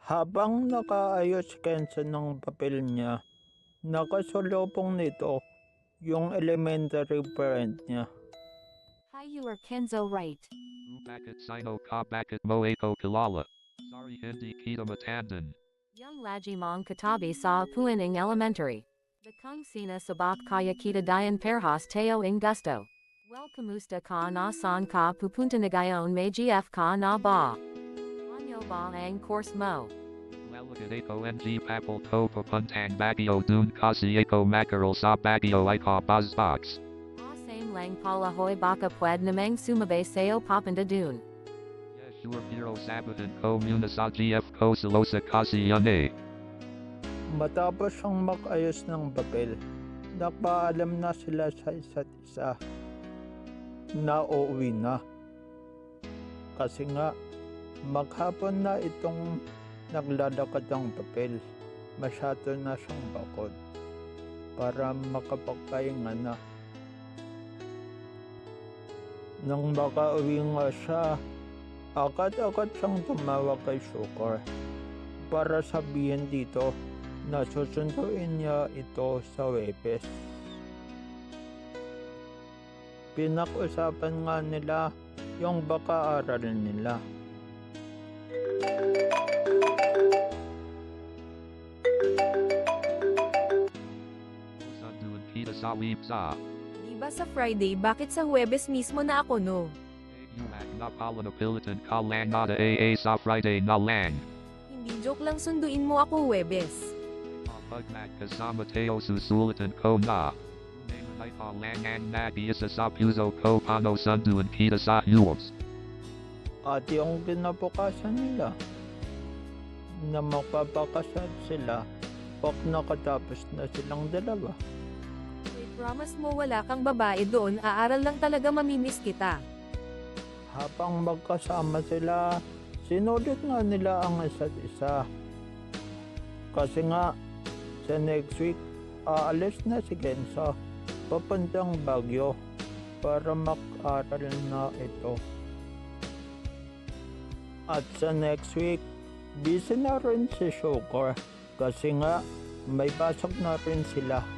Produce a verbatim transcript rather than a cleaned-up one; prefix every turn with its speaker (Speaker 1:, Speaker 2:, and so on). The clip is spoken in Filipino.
Speaker 1: Habang nakaayos si Kenzo ng papel niya, nakasalubong nito yung elementary friend niya.
Speaker 2: Hi, you are Kenzo, right?
Speaker 3: Bakit sino ka bakit mo ako kilala? Sorry hindi kita matandaan.
Speaker 2: Young Lajimong Katabi sa Puining Elementary. The Kung Sina Sabak Kaya Kita Dayan Perhas Teo Ing Gusto. Well kamusta ka na san ka pupunta na gayon may gf ka na ba? Anyo ba ang course mo?
Speaker 3: Lalagat ako ng papel to papuntang Baguio dun kasi ako makaral sa Baguio ika buzzbox.
Speaker 2: Ah same lang pala hoy baka pwed namang sumabay sayo papanda dun.
Speaker 3: Yes sure pero sabahan ko muna sa G F ko sa Losa kasi yan eh.
Speaker 1: Matapos ang mag-ayos ng papel, napaalam na sila sa isa't isa na uuwi na. Kasi nga, maghapon na itong naglalakad ng papel. Masyado na siyang bakod para makapagpahinga na. Nang makauwi nga siya, agad-agad siyang tumawag kay Sugar para sabihin dito na susunduin niya ito sa Webes. Pinag-usapan nga nila yung baka aralin nila.
Speaker 3: Sunduan kita sa Wipsa.
Speaker 4: Di ba sa Friday, bakit sa Huwebes mismo na ako no?
Speaker 3: Umak na pala na pilitan ka lang nada A A sa Friday na lang.
Speaker 4: Hindi joke lang sunduin mo ako Huwebes.
Speaker 3: Kapag magkasama tayo susulitan ko na. Naman ay palangan na isa sa puso ko paano sunduan kita sa Huwebes.
Speaker 1: At yung kinabukasan nila na magpapakasal sila pag nakatapos na silang dalawa.
Speaker 4: Wait, promise mo wala kang babae doon, aaral lang talaga mamimiss kita.
Speaker 1: Habang magkasama sila, sinulit nga nila ang isa't isa. Kasi nga, sa next week, aalis na si Kenzo papuntang Baguio para mag-aral na ito. At sa next week, busy na rin si Sugar kasi nga may pasok na rin sila.